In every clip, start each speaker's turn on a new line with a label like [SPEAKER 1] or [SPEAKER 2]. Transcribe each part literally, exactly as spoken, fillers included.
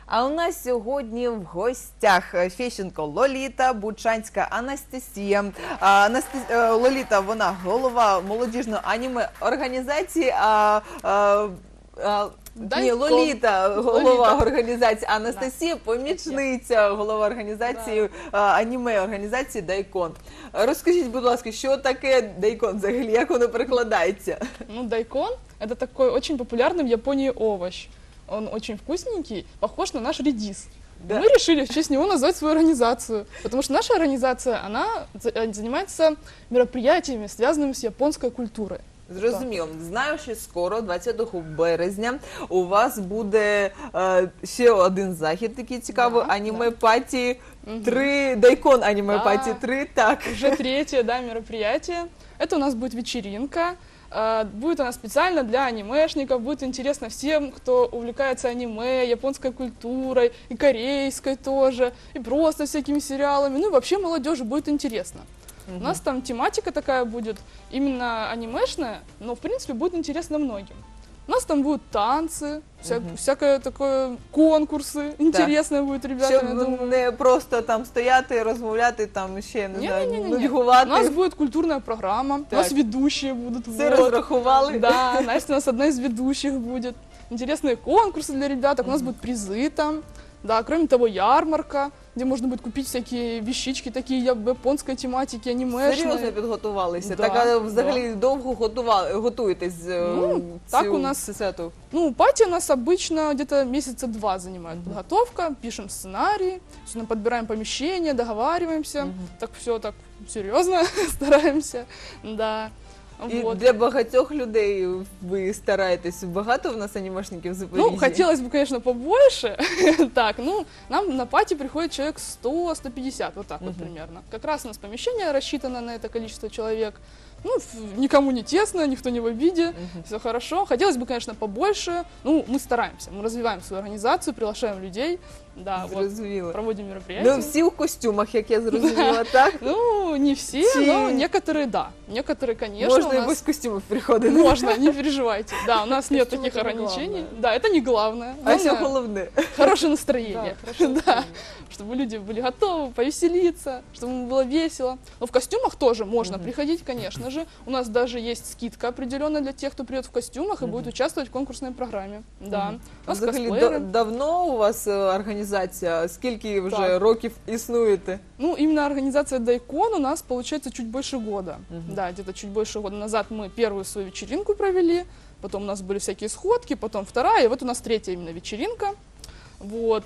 [SPEAKER 1] А у нас сьогодні в гостях Фещенко Лоліта, Бучанська Анастасія. Анасті... Лоліта, вона голова молодіжної аніме організації, а, а, а... Ні, Лоліта, голова Лоліта. Організації, Анастасія, помічниця голова організації, да. аніме організації Дайкон. Розкажіть, будь ласка, що таке Дайкон взагалі, як воно перекладається?
[SPEAKER 2] Ну, Дайкон – это такой очень популярный в Японии овощ. Он очень вкусненький, похож на наш редис. Да. Мы решили в честь него назвать свою организацию, потому что наша организация, она занимается мероприятиями, связанными с японской культурой.
[SPEAKER 1] Зрозуміло. Знаю, що скоро, двадцятого березня, у вас буде е, ще один захід такий цікавий, да, аніме-паті три, угу. Дайкон аніме-паті да. три, так.
[SPEAKER 2] Уже третье, да, мероприятие. Это у нас будет вечеринка. Будет она специально для анимешников, будет интересно всем, кто увлекается аниме, японской культурой, и корейской тоже, и просто всякими сериалами. Ну и вообще молодежи будет интересно. У нас там тематика такая будет, именно анимешная, но в принципе будет интересно многим. У нас там будут танцы, вся, угу. всякое такое, конкурсы, интересно так. будет ребятам,
[SPEAKER 1] щоб
[SPEAKER 2] я думаю.
[SPEAKER 1] Не просто там стояти, розмовляти, там ще, не, не знаю,
[SPEAKER 2] не, не,
[SPEAKER 1] нудьгувати.
[SPEAKER 2] У нас будет культурная программа, так. У нас ведущие будут.
[SPEAKER 1] Все вот. Разраховали?
[SPEAKER 2] Да, Настя у нас одна из ведущих будет. Интересные конкурсы для ребяток, у нас будут призы там. Да, кроме того, ярмарка, где можно будет купить всякие вещички, такие японской тематики, анимешные.
[SPEAKER 1] Серйозно підготувалися?
[SPEAKER 2] Да,
[SPEAKER 1] так, а взагалі
[SPEAKER 2] да.
[SPEAKER 1] довго готували, готуєтесь
[SPEAKER 2] ну,
[SPEAKER 1] цю,
[SPEAKER 2] так у нас,
[SPEAKER 1] сету?
[SPEAKER 2] Ну, пати у нас обычно где-то месяца два занимает mm-hmm. подготовка, пишем сценарий, подбираем помещение, договариваемся, mm-hmm. так все так серьезно стараемся, да.
[SPEAKER 1] І
[SPEAKER 2] вот.
[SPEAKER 1] Для багатьох людей ви стараєтесь? Багато в нас анімешників в Запоріжжі?
[SPEAKER 2] Ну, хотелось бы, конечно, побольше. Так, ну, нам на пати приходит человек сто — сто пятьдесят, вот так uh-huh. вот примерно. Как раз у нас помещение рассчитано на это количество человек. Ну, никому не тесно, никто не в обиде, uh-huh. все хорошо. Хотелось бы, конечно, побольше. Ну, мы стараемся, мы развиваем свою организацию, приглашаем людей. Да, вот, проводим мероприятия.
[SPEAKER 1] Ну, всі в костюмах, як я зрозуміла, так?
[SPEAKER 2] Ну, не все, но некоторые, да. Некоторые, конечно,
[SPEAKER 1] Можно и без костюмов приходить.
[SPEAKER 2] Можно, не переживайте. Да, у нас нет таких ограничений. Да, это не главное.
[SPEAKER 1] А все головне.
[SPEAKER 2] Хорошее настроение. Да, чтобы люди были готовы повеселиться, чтобы им было весело. Но в костюмах тоже можно приходить, конечно же. У нас даже есть скидка определенная для тех, кто придет в костюмах и будет участвовать в конкурсной программе. Да. У нас косплееры.
[SPEAKER 1] Давно у вас организация? Скільки вже так. років існуєте?
[SPEAKER 2] Ну, именно организация Дайкон у нас, получается, чуть больше года. Uh-huh. Да, где-то чуть больше года назад мы первую свою вечеринку провели, потом у нас были всякие сходки, потом вторая, и вот у нас третья именно вечеринка. Вот.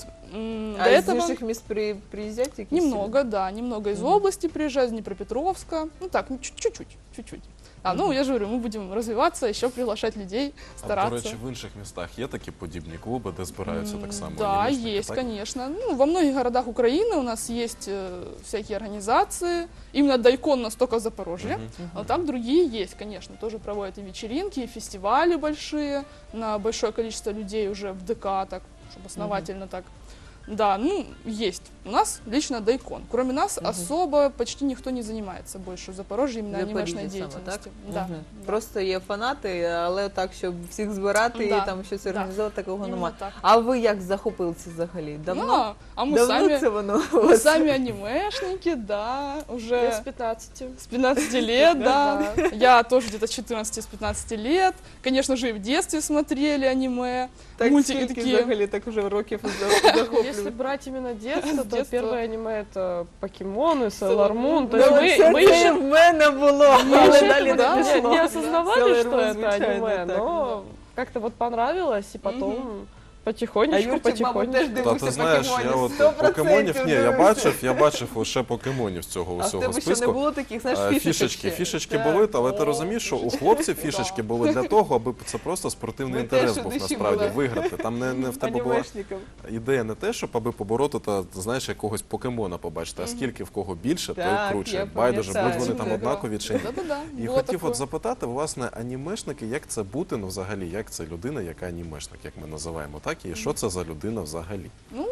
[SPEAKER 1] А До из этого... ваших мест при... приезжаете?
[SPEAKER 2] Немного, да, немного из uh-huh. области приезжают, из Днепропетровска, ну так, чуть-чуть, чуть-чуть. А, ну, я же говорю, мы будем развиваться, еще приглашать людей, стараться.
[SPEAKER 3] А, до речі, в інших містах є такі подібні клуби, де збираються так само?
[SPEAKER 2] Да, есть, так? Конечно. Ну, во многих городах Украины у нас есть э, всякие организации. Именно Дайкон у нас только в Запорожье. Uh-huh. А там другие есть, конечно. Тоже проводят и вечеринки, и фестивали большие на большое количество людей уже в ДК, так, чтобы основательно uh-huh. так. Да, ну, есть. У нас лично Дайкон. Кроме нас угу. особо почти никто не занимается больше в Запорожье именно анимешной деятельностью. Да,
[SPEAKER 1] угу.
[SPEAKER 2] да.
[SPEAKER 1] Просто є фанати, але так, щоб всіх збирати
[SPEAKER 2] да.
[SPEAKER 1] і там щось організувати,
[SPEAKER 2] да.
[SPEAKER 1] такого
[SPEAKER 2] Именно
[SPEAKER 1] немає.
[SPEAKER 2] Так.
[SPEAKER 1] А ви як захопилися взагалі? Давно?
[SPEAKER 2] Ну, а мы
[SPEAKER 1] Давно
[SPEAKER 2] сами,
[SPEAKER 1] це воно?
[SPEAKER 2] Мы сами анимешники, да, уже
[SPEAKER 4] Я с пятнадцати.
[SPEAKER 2] С пятнадцати лет, да. Я тоже где-то с четырнадцати — с пятнадцати лет. Конечно же, и в детстве смотрели аниме.
[SPEAKER 1] Так
[SPEAKER 2] мультики
[SPEAKER 1] скільки
[SPEAKER 2] такие.
[SPEAKER 1] взагалі так уже років захоплюють?
[SPEAKER 4] Если брать именно детство, то
[SPEAKER 2] Детство.
[SPEAKER 4] первое аниме это Покемоны, Sailor Moon. То
[SPEAKER 1] Ну,
[SPEAKER 4] есть мы,
[SPEAKER 1] це,
[SPEAKER 4] мы
[SPEAKER 1] це
[SPEAKER 4] еще
[SPEAKER 1] в мене було,
[SPEAKER 4] мы
[SPEAKER 1] але
[SPEAKER 4] еще
[SPEAKER 1] далі
[SPEAKER 4] этого
[SPEAKER 1] не
[SPEAKER 4] не,
[SPEAKER 1] пішло.
[SPEAKER 4] не осознавали,
[SPEAKER 1] Sailor
[SPEAKER 4] что
[SPEAKER 1] Moon,
[SPEAKER 4] это
[SPEAKER 1] звичайно,
[SPEAKER 4] аниме,
[SPEAKER 1] так.
[SPEAKER 4] но как-то вот понравилось, и потом
[SPEAKER 2] Мгм.
[SPEAKER 1] А
[SPEAKER 4] потихонечку,
[SPEAKER 1] Юрчик, мабуть, теж
[SPEAKER 4] потихонечку.
[SPEAKER 3] Та
[SPEAKER 1] дивився
[SPEAKER 3] ти знаєш, я
[SPEAKER 1] покемонів.
[SPEAKER 3] от
[SPEAKER 1] сто
[SPEAKER 3] покемонів,
[SPEAKER 1] процентів
[SPEAKER 3] ні, я
[SPEAKER 1] дивився.
[SPEAKER 3] бачив, я бачив лише покемонів з цього
[SPEAKER 1] А в
[SPEAKER 3] усього
[SPEAKER 1] тебе ще не
[SPEAKER 3] списку.
[SPEAKER 1] було таких, знаєш,
[SPEAKER 3] Е,
[SPEAKER 1] фішечок
[SPEAKER 3] Фішечки,
[SPEAKER 1] ще?
[SPEAKER 3] фішечки
[SPEAKER 1] Так.
[SPEAKER 3] були, але ти розумієш, що у хлопців фішечки були для того, аби це просто спортивний
[SPEAKER 1] Ви
[SPEAKER 3] інтерес
[SPEAKER 1] теж у
[SPEAKER 3] був
[SPEAKER 1] душі
[SPEAKER 3] насправді
[SPEAKER 1] були.
[SPEAKER 3] виграти. Там не, не в тебе була
[SPEAKER 1] Анімешників.
[SPEAKER 3] ідея не те, щоб аби побороти та, знаєш, якогось покемона побачити, а скільки в кого більше, той
[SPEAKER 1] Так,
[SPEAKER 3] круче.
[SPEAKER 1] я
[SPEAKER 3] Байдуже, будь
[SPEAKER 1] пам'ятаю.
[SPEAKER 3] вони там однакові чи ні.
[SPEAKER 2] Да-да-да.
[SPEAKER 3] І
[SPEAKER 2] было
[SPEAKER 3] хотів
[SPEAKER 2] такое.
[SPEAKER 3] от запитати, власне, анімешники, як це бути, ну взагалі, як це людина, яка анімешник, як ми називаємо, так? І що це за людина взагалі?
[SPEAKER 2] Ну,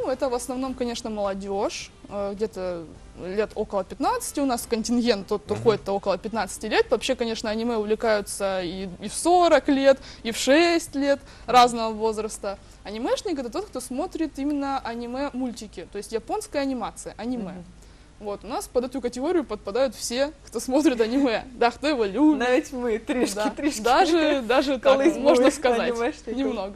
[SPEAKER 2] Ну, это в основном, конечно, молодежь, э, где-то лет около пятнадцати. У нас контингент тот, кто
[SPEAKER 3] Мгм.
[SPEAKER 2] ходит, это около пятнадцати лет. Вообще, конечно, аниме увлекаются и, и в сорок лет, и в шесть лет разного возраста. Анимешник — это тот, кто смотрит именно аниме-мультики, то есть японская анимация, аниме.
[SPEAKER 1] Мгм.
[SPEAKER 2] Вот, у нас под эту категорию подпадают все, кто смотрит аниме. Да, кто его любит.
[SPEAKER 1] Навіть ми трішки,
[SPEAKER 2] Да.
[SPEAKER 1] трішки.
[SPEAKER 2] Даже, даже так,
[SPEAKER 1] Колись
[SPEAKER 2] можно
[SPEAKER 1] були
[SPEAKER 2] сказать.
[SPEAKER 1] анімешником.
[SPEAKER 2] Немного.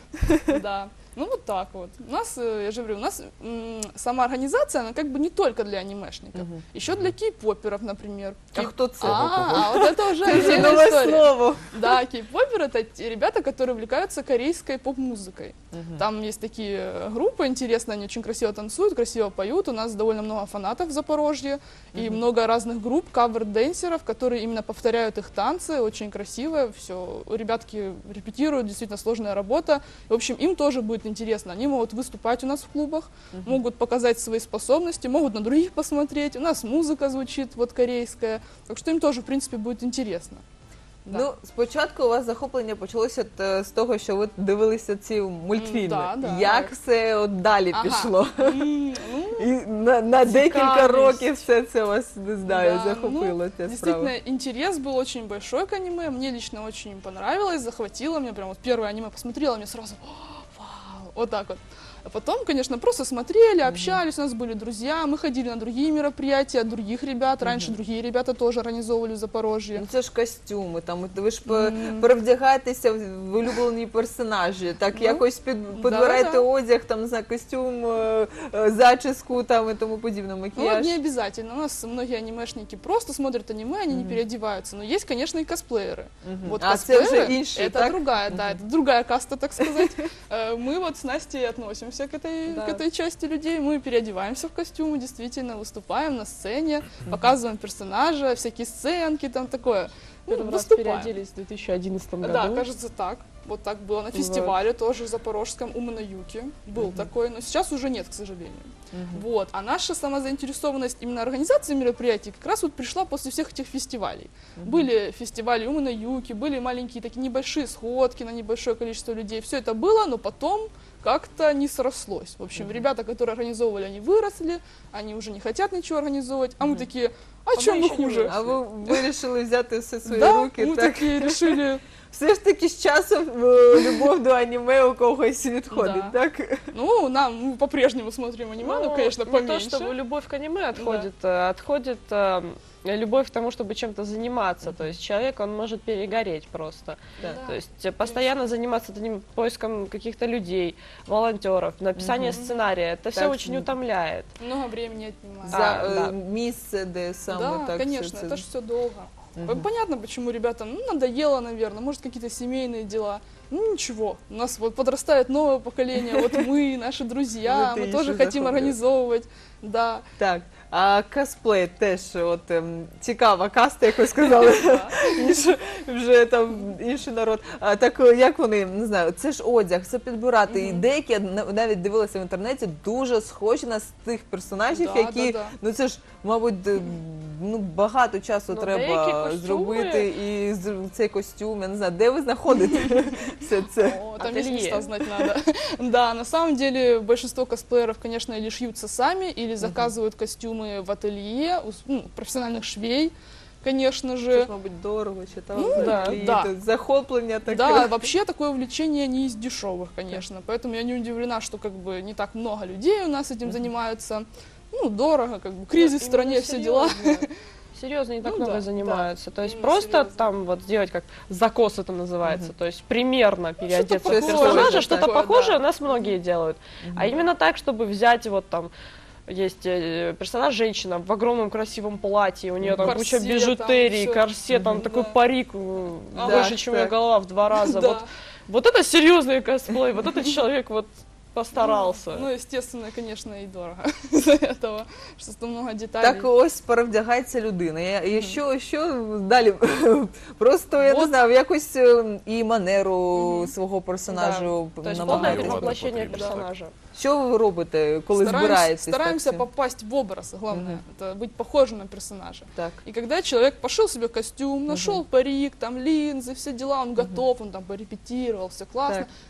[SPEAKER 2] Да. Ну вот так вот. У нас, э, я же говорю, у нас м, сама организация, она как бы не только для анимешников.
[SPEAKER 1] Мгм.
[SPEAKER 2] Еще для кей-поперов, например.
[SPEAKER 1] А хто це?
[SPEAKER 2] А, а вот это уже
[SPEAKER 1] Це
[SPEAKER 2] отдельная
[SPEAKER 1] нове
[SPEAKER 2] история.
[SPEAKER 1] слово.
[SPEAKER 2] Да, кей-попер — это те ребята, которые увлекаются корейской поп-музыкой.
[SPEAKER 1] Мгм.
[SPEAKER 2] Там есть такие э, группы интересные, они очень красиво танцуют, красиво поют. У нас довольно много фанатов в Запорожье и
[SPEAKER 1] Мгм.
[SPEAKER 2] много разных групп, кавер-дэнсеров, которые именно повторяют их танцы, очень красиво, все. Ребятки репетируют, действительно сложная работа. В общем, им тоже будет интересно. Они могут выступать у нас в клубах,
[SPEAKER 1] Мгм.
[SPEAKER 2] могут показать свои способности, могут на других посмотреть. У нас музыка звучит вот корейская, так что им тоже, в принципе, будет интересно. Да.
[SPEAKER 1] Ну, спочатку у вас захоплення почалося от, з того, що ви дивилися ці мультфільми.
[SPEAKER 2] да, да.
[SPEAKER 1] Як все от далі
[SPEAKER 2] Ага.
[SPEAKER 1] пішло?
[SPEAKER 2] М, ну,
[SPEAKER 1] І на, на декілька
[SPEAKER 2] Цікавість.
[SPEAKER 1] років все це вас, не знаю,
[SPEAKER 2] Да,
[SPEAKER 1] захопило ця
[SPEAKER 2] Действительно,
[SPEAKER 1] справа.
[SPEAKER 2] интерес был очень большой к аниме. Мне лично очень понравилось, захватило. Мне прям вот первое аниме посмотрела, мне сразу «О, вау, вот так вот. А потом, конечно, просто смотрели, общались, у нас были друзья, мы ходили на другие мероприятия от других ребят. Раньше другие ребята тоже организовывали в Запорожье.
[SPEAKER 1] Ну це ж костюми, там от ви ж по-
[SPEAKER 2] М.
[SPEAKER 1] перевдягаєтеся в улюблені персонажі, так
[SPEAKER 2] Ну,
[SPEAKER 1] якось під, підбираєте
[SPEAKER 2] да.
[SPEAKER 1] одяг, там, не знаю, костюм, е, е, зачіску там і тому подібне,
[SPEAKER 2] Ну, вот
[SPEAKER 1] макіяж.
[SPEAKER 2] не обязательно. У нас многие анимешники просто смотрят аниме, они не переодеваются. Но есть, конечно, и косплееры.
[SPEAKER 1] Мгм.
[SPEAKER 2] Вот
[SPEAKER 1] А це вже
[SPEAKER 2] косплееры
[SPEAKER 1] інші,
[SPEAKER 2] это
[SPEAKER 1] так?
[SPEAKER 2] другая, да, это другая каста, так сказать. Э, Мы вот с Настей относимся к этой,
[SPEAKER 4] Да.
[SPEAKER 2] к этой части людей. Мы переодеваемся в костюмы, действительно, выступаем на сцене, показываем персонажа, всякие сценки, там такое. Ну,
[SPEAKER 4] Первый раз
[SPEAKER 2] выступаем.
[SPEAKER 4] переоделись в две тысячи одиннадцатом году.
[SPEAKER 2] Да, кажется так. Вот так было на
[SPEAKER 4] Вот.
[SPEAKER 2] фестивале тоже в Запорожском, у Манаюки. Был такой, но сейчас уже нет, к сожалению.
[SPEAKER 1] Мгм.
[SPEAKER 2] Вот. А наша самозаинтересованность именно организации мероприятий как раз вот пришла после всех этих фестивалей. Были фестивали у Манаюки, были маленькие такие небольшие сходки на небольшое количество людей. Все это было, но потом как-то не срослось. В общем, ребята, которые организовывали, они выросли, они уже не хотят ничего организовывать, а мы такие, а,
[SPEAKER 4] А
[SPEAKER 2] чем
[SPEAKER 4] мы
[SPEAKER 2] мы
[SPEAKER 4] еще не
[SPEAKER 2] хуже?
[SPEAKER 4] выросли.
[SPEAKER 1] А ви вирішили взяти все в свої
[SPEAKER 2] Да,
[SPEAKER 1] руки,
[SPEAKER 2] мы
[SPEAKER 1] так?
[SPEAKER 2] такие решили,
[SPEAKER 1] Все ж таки з часом е, любов до аніме у когось відходить,
[SPEAKER 2] Да.
[SPEAKER 1] так?
[SPEAKER 2] ну, нам мы по-прежнему смотрим аниме, ну, конечно,
[SPEAKER 4] не
[SPEAKER 2] поменьше.
[SPEAKER 4] то, чтобы любовь к аниме отходит, э, отходит э, любовь к тому, чтобы чем-то заниматься. То есть человек, он может перегореть просто.
[SPEAKER 1] Да.
[SPEAKER 4] То есть э, постоянно заниматься этим поиском каких-то людей, волонтеров, написание
[SPEAKER 1] Мгм.
[SPEAKER 4] сценария. Это все
[SPEAKER 1] Так,
[SPEAKER 4] очень
[SPEAKER 1] ну,
[SPEAKER 4] утомляет.
[SPEAKER 2] Много времени отнимает.
[SPEAKER 1] За
[SPEAKER 4] А,
[SPEAKER 1] е,
[SPEAKER 4] да.
[SPEAKER 1] місце, де саме
[SPEAKER 2] Да,
[SPEAKER 1] так
[SPEAKER 2] конечно,
[SPEAKER 1] все це.
[SPEAKER 2] это же все долго.
[SPEAKER 1] Мгм.
[SPEAKER 2] Понятно, почему ребятам ну, надоело, наверное, может, какие-то семейные дела. Ну, ничего, у нас вот подрастает новое поколение, вот мы, наши друзья,
[SPEAKER 1] Вот и
[SPEAKER 2] мы тоже
[SPEAKER 1] еще
[SPEAKER 2] хотим
[SPEAKER 1] захоплює.
[SPEAKER 2] организовывать, да.
[SPEAKER 1] Так, а косплей теж от ем, цікава каста, як ви сказали, інше, вже там інший народ. А так е, як вони, не знаю, це ж одяг, це підбирати. І деякі я на- навіть дивилася в інтернеті, дуже схожі на з тих персонажів,
[SPEAKER 2] Да,
[SPEAKER 1] які,
[SPEAKER 2] да, да.
[SPEAKER 1] ну це ж, мабуть, д- ну багато часу
[SPEAKER 4] Ну,
[SPEAKER 1] треба
[SPEAKER 4] деякі костюми-
[SPEAKER 1] зробити і з- цей костюм. Я не знаю, де ви знаходите все це?
[SPEAKER 2] О, там есть
[SPEAKER 4] Ателье.
[SPEAKER 2] места знать надо. Да, на самом деле большинство косплееров, конечно, или шьются сами, или заказывают костюмы в ателье, у с- ну, профессиональных швей, конечно
[SPEAKER 1] Це
[SPEAKER 2] же.
[SPEAKER 1] ж, мабуть, дорого, чи там
[SPEAKER 2] Ну,
[SPEAKER 1] взагалі,
[SPEAKER 2] да.
[SPEAKER 1] то захоплення таке.
[SPEAKER 2] Да, вообще такое увлечение не из дешевых, конечно. Поэтому я не удивлена, что как бы не так много людей у нас этим занимаются. Ну, дорого, как бы кризис в
[SPEAKER 4] Именно
[SPEAKER 2] стране, все дела.
[SPEAKER 4] серьезно. Серьезно, не так
[SPEAKER 2] Ну
[SPEAKER 4] много
[SPEAKER 2] да,
[SPEAKER 4] занимаются. То есть
[SPEAKER 2] именно
[SPEAKER 4] просто
[SPEAKER 2] серьезно.
[SPEAKER 4] там вот сделать как закос это называется. То есть примерно переодеться в
[SPEAKER 1] похожее,
[SPEAKER 4] персонажа, что-то
[SPEAKER 2] такое,
[SPEAKER 4] похожее
[SPEAKER 2] да.
[SPEAKER 4] у нас многие делают. А именно так, чтобы взять вот там есть э, персонаж женщина в огромном красивом платье, у нее там
[SPEAKER 2] Корсет
[SPEAKER 4] куча
[SPEAKER 2] там,
[SPEAKER 4] бижутерии,
[SPEAKER 2] всё.
[SPEAKER 4] корсет, там
[SPEAKER 2] Мгм.
[SPEAKER 4] такой
[SPEAKER 2] Да.
[SPEAKER 4] парик э,
[SPEAKER 1] Да,
[SPEAKER 4] больше, чем ее
[SPEAKER 1] так.
[SPEAKER 4] голова в два раза.
[SPEAKER 2] Да.
[SPEAKER 4] Вот, вот это серьезный косплей, вот этот человек вот постарался.
[SPEAKER 2] Ну, естественно, конечно, и дорого из-за этого, что там много деталей.
[SPEAKER 1] Так ось перевдягається людина. Я- І що, що далі? Просто, я не
[SPEAKER 2] Вот.
[SPEAKER 1] знаю, якось е, і манеру свого персонажу
[SPEAKER 4] То есть полное
[SPEAKER 1] намагаєтесь.
[SPEAKER 4] перевоплощение
[SPEAKER 3] потрібно, так.
[SPEAKER 4] персонажа.
[SPEAKER 1] Що ви робите, коли
[SPEAKER 2] Стараемся-
[SPEAKER 1] збираєтесь?
[SPEAKER 2] Стараемся
[SPEAKER 1] так, всі?
[SPEAKER 2] попасть в образ, главное,
[SPEAKER 1] Мгм.
[SPEAKER 2] это быть похожим на персонажа.
[SPEAKER 1] Так.
[SPEAKER 2] И когда человек пошил себе костюм, нашел парик, там линзы, все дела, он готов, он там порепетировал, все классно.
[SPEAKER 1] Так.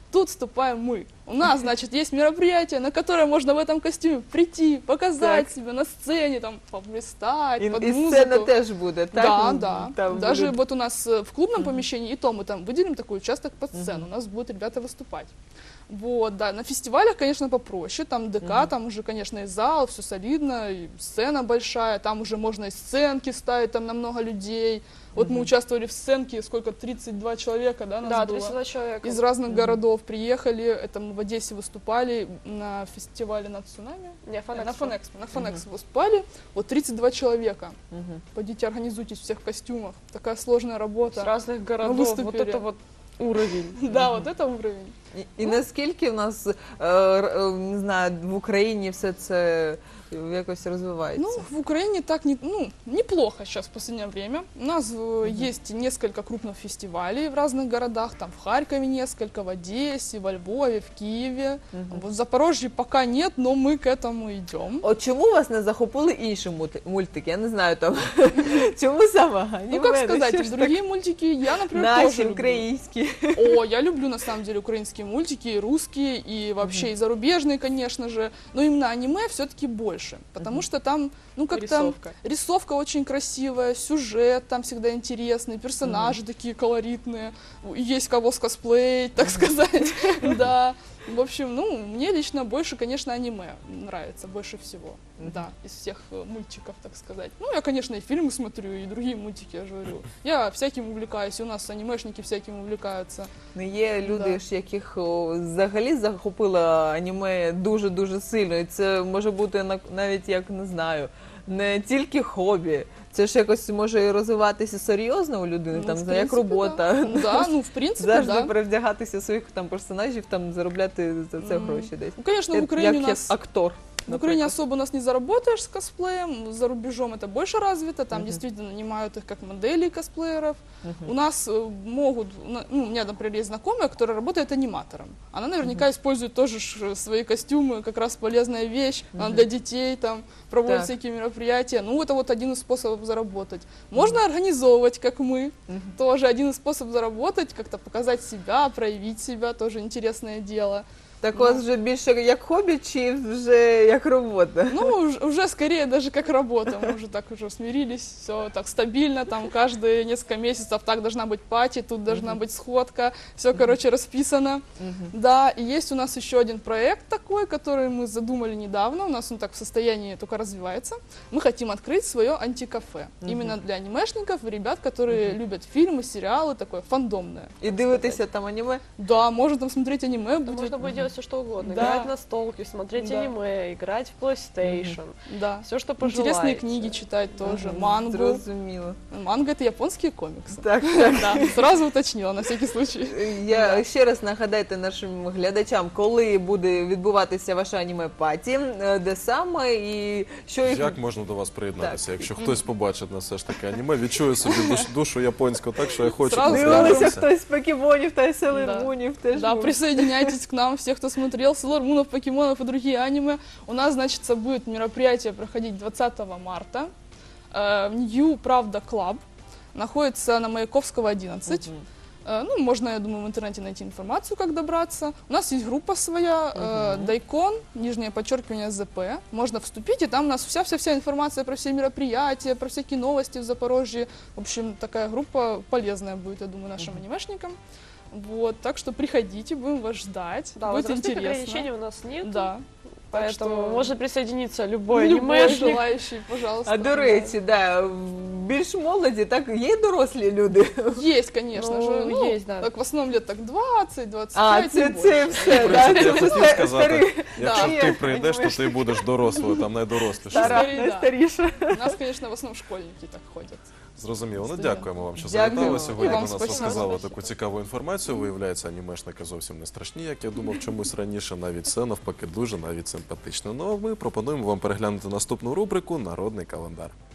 [SPEAKER 2] тут вступаем мы. У нас, значит, есть мероприятие, на которое можно в этом костюме прийти, показать
[SPEAKER 1] Так.
[SPEAKER 2] себя на сцене, там, поблистать,
[SPEAKER 1] І,
[SPEAKER 2] под
[SPEAKER 1] і
[SPEAKER 2] музыку.
[SPEAKER 1] сцена теж буде, так?
[SPEAKER 2] Да,
[SPEAKER 1] Ну,
[SPEAKER 2] да.
[SPEAKER 1] там
[SPEAKER 2] Даже
[SPEAKER 1] буде-
[SPEAKER 2] вот у нас э, в клубном помещении, и то мы там выделим такой участок под сцену, у нас будут ребята выступать. Вот, да, на фестивалях, конечно, попроще, там ДК, там уже, конечно, и зал, все солидно, и сцена большая, там уже можно и сценки ставить, там на много людей. Вот мы участвовали в сценке, сколько, тридцать два человека, да, нас
[SPEAKER 4] Да,
[SPEAKER 2] было?
[SPEAKER 4] тридцать два человека.
[SPEAKER 2] Из разных городов приехали, это мы в Одессе выступали на фестивале на цунами.
[SPEAKER 4] Не,
[SPEAKER 2] Э,
[SPEAKER 4] Фанэкспо.
[SPEAKER 2] На Фанэкспо. На Фанэкспо выступали, вот тридцать два человека.
[SPEAKER 1] Мгм.
[SPEAKER 2] Пойдите, организуйтесь всех в костюмах. Такая сложная работа.
[SPEAKER 4] С разных городов. Вот
[SPEAKER 2] выступили.
[SPEAKER 4] это вот уровень.
[SPEAKER 2] Да, вот это уровень.
[SPEAKER 1] І, і наскільки в нас, е, р- е, не знаю, в Україні все це якось розвивається?
[SPEAKER 2] Ну, в Украине так не, ну, неплохо сейчас в последнее время. У нас э, есть несколько крупных фестивалей в разных городах. Там в Харькове несколько, в Одессе, во Львове, в Киеве. Вот в Запорожье пока нет, но мы к этому идем.
[SPEAKER 1] От чому вас не захопили інші мульти- мультики? Я не знаю там. Чому саме?
[SPEAKER 2] Ну, как
[SPEAKER 1] аніме?
[SPEAKER 2] сказать,
[SPEAKER 1] Що ж
[SPEAKER 2] другие мультики я, например,
[SPEAKER 1] так?
[SPEAKER 2] тоже
[SPEAKER 1] Наші,
[SPEAKER 2] люблю.
[SPEAKER 1] українські.
[SPEAKER 2] О, я люблю на самом деле украинские мультики, и русские, и вообще и зарубежные, конечно же. Но именно аниме все-таки больше, потому что там, ну как там,
[SPEAKER 4] Рисовка.
[SPEAKER 2] рисовка очень красивая, сюжет там всегда интересный, персонажи такие колоритные, есть кого скосплеить, так сказать, да. В общем, ну, мне лично больше, конечно, аниме нравится, больше всего, да, из всех э, мультиков, так сказать. Ну, я, конечно, и фильмы смотрю, и другие мультики, я же говорю. Я всяким увлекаюсь, и у нас анимешники всяким увлекаются.
[SPEAKER 1] Ну, є люди,
[SPEAKER 2] Да.
[SPEAKER 1] ж, яких о, взагалі захопило аніме дуже-дуже сильно. І це може бути на- навіть, як не знаю, не тільки хобі. Це ж якось може і розвиватися серйозно у людини,
[SPEAKER 2] Ну,
[SPEAKER 1] там,
[SPEAKER 2] в
[SPEAKER 1] не знаю, як
[SPEAKER 2] принципе,
[SPEAKER 1] робота.
[SPEAKER 2] Да, Ну, да, ну, в принципе,
[SPEAKER 1] Завжди
[SPEAKER 2] да.
[SPEAKER 1] перевдягатися своїх там персонажів, там заробляти за це
[SPEAKER 2] Мгм.
[SPEAKER 1] гроші десь.
[SPEAKER 2] Ну, конечно, в
[SPEAKER 1] Як-
[SPEAKER 2] Украине
[SPEAKER 1] як,
[SPEAKER 2] у нас...
[SPEAKER 1] як актор.
[SPEAKER 2] В Украине
[SPEAKER 1] наприклад.
[SPEAKER 2] особо у нас не заработаешь с косплеем, за рубежом это больше развито, там
[SPEAKER 1] Мгм.
[SPEAKER 2] действительно нанимают их как моделей косплееров.
[SPEAKER 1] Мгм.
[SPEAKER 2] У нас э, могут, на- ну, у меня, например, есть знакомая, которая работает аниматором. Она наверняка использует тоже ж свои костюмы, как раз полезная вещь, она для детей, там, проводит
[SPEAKER 1] Так.
[SPEAKER 2] всякие мероприятия. Ну, это вот один из способов заработать. Можно организовывать, как мы,
[SPEAKER 1] Мгм.
[SPEAKER 2] тоже один из способов заработать, как-то показать себя, проявить себя, тоже интересное дело.
[SPEAKER 1] Так у вас вже більше як хобі чи вже як робота?
[SPEAKER 2] Ну, уж- уже скорее даже как работа. Мы уже так уже смирились, все так стабильно, там каждые несколько месяцев так должна быть пати, тут должна быть сходка, все, короче, расписано. Да, и есть у нас еще один проект такой, который мы задумали недавно, у нас он так в состоянии только развивается. Мы хотим открыть свое антикафе, именно для анимешников и ребят, которые любят фильмы, сериалы, такое фандомное.
[SPEAKER 1] І дивитися там аніме?
[SPEAKER 2] Да, можно там смотреть аниме,
[SPEAKER 4] Там
[SPEAKER 2] будет.
[SPEAKER 4] можно будет делать все что угодно.
[SPEAKER 2] Да.
[SPEAKER 4] Играть на столке, смотреть
[SPEAKER 2] Да.
[SPEAKER 4] аниме, играть в PlayStation.
[SPEAKER 2] Да.
[SPEAKER 4] Все, что пожелаете.
[SPEAKER 2] Интересные книги читать тоже, мангу.
[SPEAKER 1] Зрозуміло.
[SPEAKER 2] Манга — это японские комиксы.
[SPEAKER 1] Так.
[SPEAKER 2] Да, сразу уточнила, на всякий случай.
[SPEAKER 1] Я ще раз нагадайте нашим глядачам, коли буде відбуватися ваша аніме-паті, е, де саме і що їх...
[SPEAKER 3] Як можна до вас приєднатися?
[SPEAKER 1] Так.
[SPEAKER 3] Якщо хтось побачить на все ж таки аніме, відчує собі душ- душу японську, так що я хочу
[SPEAKER 2] Зразу
[SPEAKER 1] Дивилися
[SPEAKER 3] познайомитися.
[SPEAKER 1] хтось з покемонів та Sailor Moonів теж.
[SPEAKER 2] Да,
[SPEAKER 1] був.
[SPEAKER 2] присоединяйтесь к нам, все, кто смотрел Sailor Moon, покемонов и другие аниме. У нас, значит, будет мероприятие проходить двадцатого марта. Э, New Правда Club находится на Маяковского, одиннадцать. Э, Ну, можно, я думаю, в интернете найти информацию, как добраться. У нас есть группа своя, э, Дайкон, нижнее подчеркивание ЗП. Можно вступить, и там у нас вся-вся-вся информация про все мероприятия, про всякие новости в Запорожье. В общем, такая группа полезная будет, я думаю, нашим анимешникам. Вот, так что приходите, будем вас ждать.
[SPEAKER 4] Да,
[SPEAKER 2] будет
[SPEAKER 4] возрастных
[SPEAKER 2] интересно.
[SPEAKER 4] ограничений у нас нет.
[SPEAKER 2] Да. Так
[SPEAKER 4] Поэтому
[SPEAKER 2] что
[SPEAKER 4] может присоединиться любой,
[SPEAKER 2] любой
[SPEAKER 4] анимешник.
[SPEAKER 2] желающий, пожалуйста.
[SPEAKER 1] А до речі, да, в більш молоді, так є й дорослі люди.
[SPEAKER 2] Есть, конечно
[SPEAKER 4] Ну,
[SPEAKER 2] же. Ну,
[SPEAKER 4] есть, да.
[SPEAKER 2] так в основном лет так двадцать двадцать
[SPEAKER 1] А,
[SPEAKER 2] пять.
[SPEAKER 1] це, це все,
[SPEAKER 3] В
[SPEAKER 1] да,
[SPEAKER 3] принципі, я
[SPEAKER 1] це
[SPEAKER 3] хотів
[SPEAKER 1] все
[SPEAKER 3] сказати,
[SPEAKER 1] старі,
[SPEAKER 3] якщо
[SPEAKER 1] Да.
[SPEAKER 3] ти прийдеш, то ти будеш дорослою, там найдорослішою.
[SPEAKER 1] стара,
[SPEAKER 2] Старі, да.
[SPEAKER 1] найстаріша.
[SPEAKER 2] У нас, конечно, в основном школьники так ходят.
[SPEAKER 3] Зрозуміло. Ну
[SPEAKER 2] Студент.
[SPEAKER 3] дякуємо вам, що
[SPEAKER 1] Дякую.
[SPEAKER 3] завітали
[SPEAKER 1] І
[SPEAKER 3] сьогодні.
[SPEAKER 2] вам
[SPEAKER 3] До нас
[SPEAKER 2] спасибо.
[SPEAKER 3] розказали
[SPEAKER 4] Спасибо.
[SPEAKER 3] таку цікаву інформацію. Виявляється, анімешники зовсім не страшні, як я думав чомусь раніше. Навіть це навпаки дуже навіть симпатично. Ну а ми пропонуємо вам переглянути наступну рубрику Народний календар.